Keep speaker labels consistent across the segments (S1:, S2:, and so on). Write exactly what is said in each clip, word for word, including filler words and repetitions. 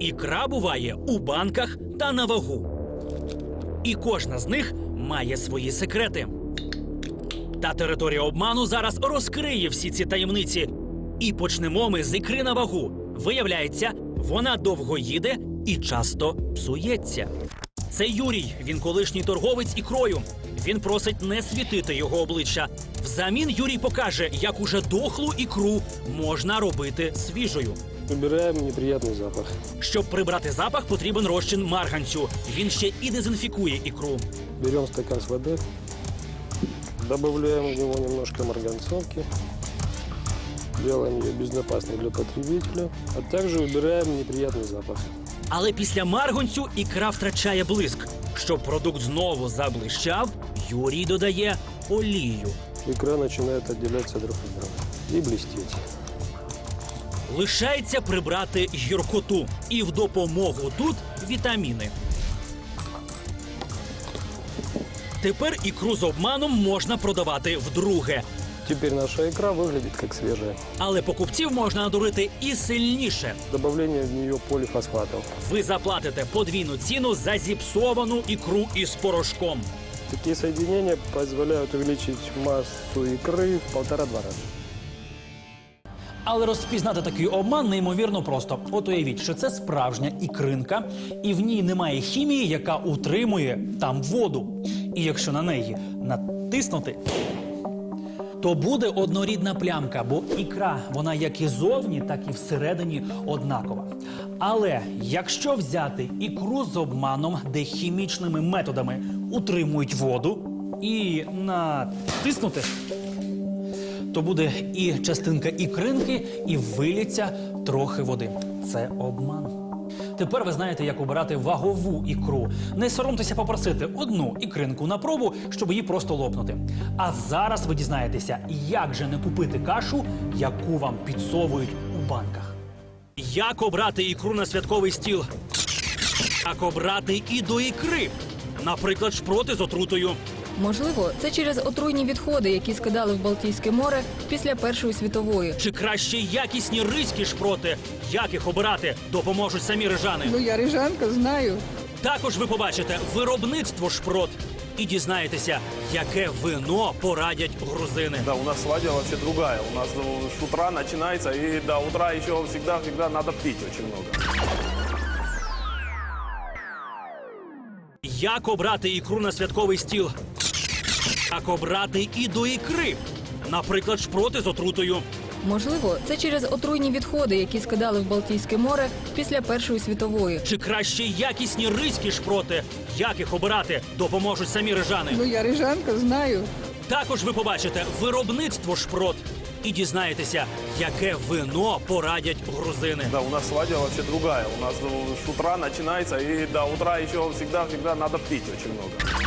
S1: Ікра буває у банках та на вагу. І кожна з них має свої секрети. Та територія обману зараз розкриє всі ці таємниці. І почнемо ми з ікри на вагу. Виявляється, вона довго їде і часто псується. Це Юрій, він колишній торговець ікрою. Він просить не світити його обличчя. Взамін Юрій покаже, як уже дохлу ікру можна робити свіжою.
S2: Убираем неприятный запах.
S1: Щоб прибрати запах, потрібен розчин марганцю. Він ще і дезінфікує ікру.
S2: Берем стакан с водой, добавляем в него немножко марганцовки, делаем ее безопасной для потребителя, а также убираем неприятный запах.
S1: Але після марганцю ікра втрачає блиск. Щоб продукт знову заблищав, Юрій додає олію.
S2: Икра начинает отделяться друг от друга и блестеть.
S1: Лишається прибрати гіркоту. І в допомогу тут вітаміни. Тепер ікру з обманом можна продавати вдруге.
S2: Теперь наша икра выглядит как свежая.
S1: Але покупців можна надурити і сильніше.
S2: Добавление в нее полифосфатов.
S1: Ви заплатите подвійну ціну за зіпсовану ікру із порошком.
S2: Такие соединения позволяют увеличить массу икры в полтора-два раза.
S1: Але розпізнати такий обман неймовірно просто. От уявіть, що це справжня ікринка, і в ній немає хімії, яка утримує там воду. І якщо на неї натиснути, то буде однорідна плямка, бо ікра, вона як і зовні, так і всередині однакова. Але якщо взяти ікру з обманом, де хімічними методами утримують воду, і натиснути, то буде і частинка ікринки, і виліться трохи води. Це обман. Тепер ви знаєте, як обирати вагову ікру. Не соромтеся попросити одну ікринку на пробу, щоб її просто лопнути. А зараз ви дізнаєтеся, як же не купити кашу, яку вам підсовують у банках. Як обрати ікру на святковий стіл? Як обрати і до ікри? Наприклад, шпроти з отрутою.
S3: Можливо, це через отруйні відходи, які скидали в Балтійське море після Першої світової.
S1: Чи краще якісні ризькі шпроти? Як їх обирати? Допоможуть самі рижани.
S4: Ну, я рижанка, знаю.
S1: Також ви побачите виробництво шпрот і дізнаєтеся, яке вино порадять грузини.
S5: Да, у нас свадьба вообще другая. У нас ну, с утра начинается, и до утра еще всегда-всегда надо пить очень много.
S1: Як обрати ікру на святковий стіл? Як обрати і до ікри? Наприклад, шпроти з отрутою.
S3: Можливо, це через отруйні відходи, які скидали в Балтійське море після Першої світової.
S1: Чи краще якісні ризькі шпроти? Як їх обирати? Допоможуть самі рижани.
S4: Ну, я рижанка, знаю.
S1: Також ви побачите виробництво шпрот і дізнаєтеся, яке вино порадять грузини.
S5: Да, у нас свадьба вообще другая. У нас ну, с утра начинается, и до утра еще всегда-всегда надо пить очень много.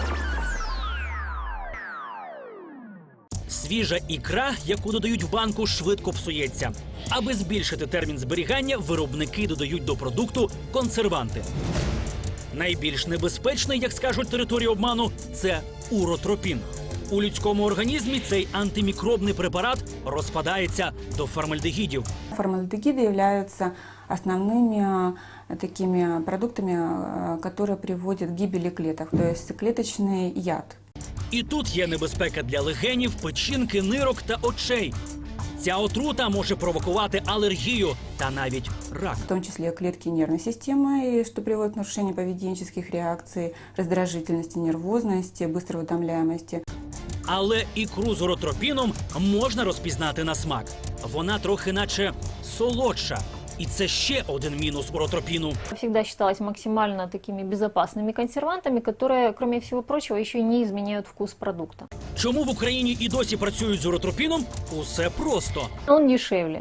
S1: Свіжа ікра, яку додають в банку, швидко псується. Аби збільшити термін зберігання, виробники додають до продукту консерванти. Найбільш небезпечний, як скажуть території обману, це уротропін. У людському організмі цей антимікробний препарат розпадається до формальдегідів.
S6: Формальдегиды являются основными э, такими продуктами, э, которые приводят к гибели клеток, то есть клеточный яд.
S1: І тут є небезпека для легенів, печінки, нирок та очей. Ця отрута може провокувати алергію та навіть рак.
S6: В том числе клетки нервной системы, и что приводит к нарушению поведенческих реакций, раздражительности, нервозности, быстрой утомляемости.
S1: Але ікру з уротропіном можна розпізнати на смак. Вона трохи наче солодша. І це ще один мінус уротропіну.
S7: Всегда считалось максимально такими безопасными консервантами, которые, кроме всего прочего, еще и не изменяют вкус продукта.
S1: Чому в Україні і досі працюють з уротропіном? Усе просто.
S7: Он дешевле.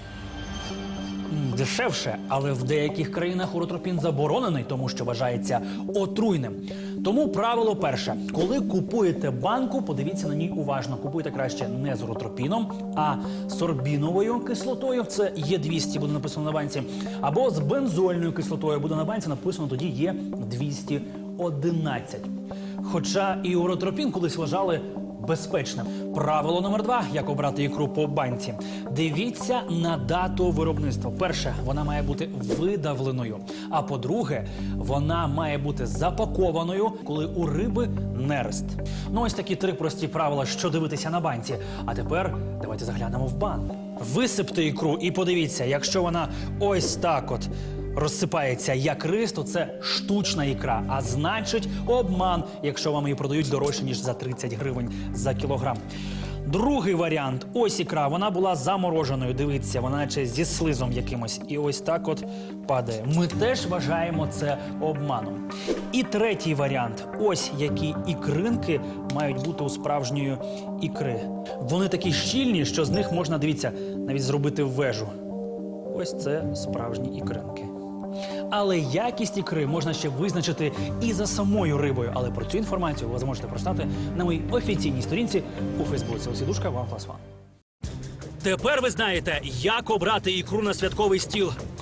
S1: Дешевше, але в деяких країнах уротропін заборонений, тому що вважається отруйним. Тому правило перше. Коли купуєте банку, подивіться на ній уважно. Купуйте краще не з уротропіном, а з сорбіновою кислотою, це Є двісті, буде написано на банці, або з бензольною кислотою, буде на банці написано тоді Є двісті одинадцять. Хоча і уротропін колись вважали безпечним. Правило номер два, як обрати ікру по банці. Дивіться на дату виробництва. Перше, вона має бути видавленою. А по-друге, вона має бути запакованою, коли у риби нерест. Ну ось такі три прості правила, що дивитися на банці. А тепер давайте заглянемо в банк. Висипте ікру і подивіться, якщо вона ось так от розсипається як рис, то це штучна ікра, а значить обман, якщо вам її продають дорожче, ніж за тридцять гривень за кілограм. Другий варіант. Ось ікра, вона була замороженою, дивіться, вона наче зі слизом якимось. І ось так от падає. Ми теж вважаємо це обманом. І третій варіант. Ось які ікринки мають бути у справжньої ікри. Вони такі щільні, що з них можна, дивіться, навіть зробити вежу. Ось це справжні ікринки. Але якість ікри можна ще визначити і за самою рибою. Але про цю інформацію ви зможете прочитати на моїй офіційній сторінці у Фейсбуці. Осідушка, One Plus One. Тепер ви знаєте, як обрати ікру на святковий стіл.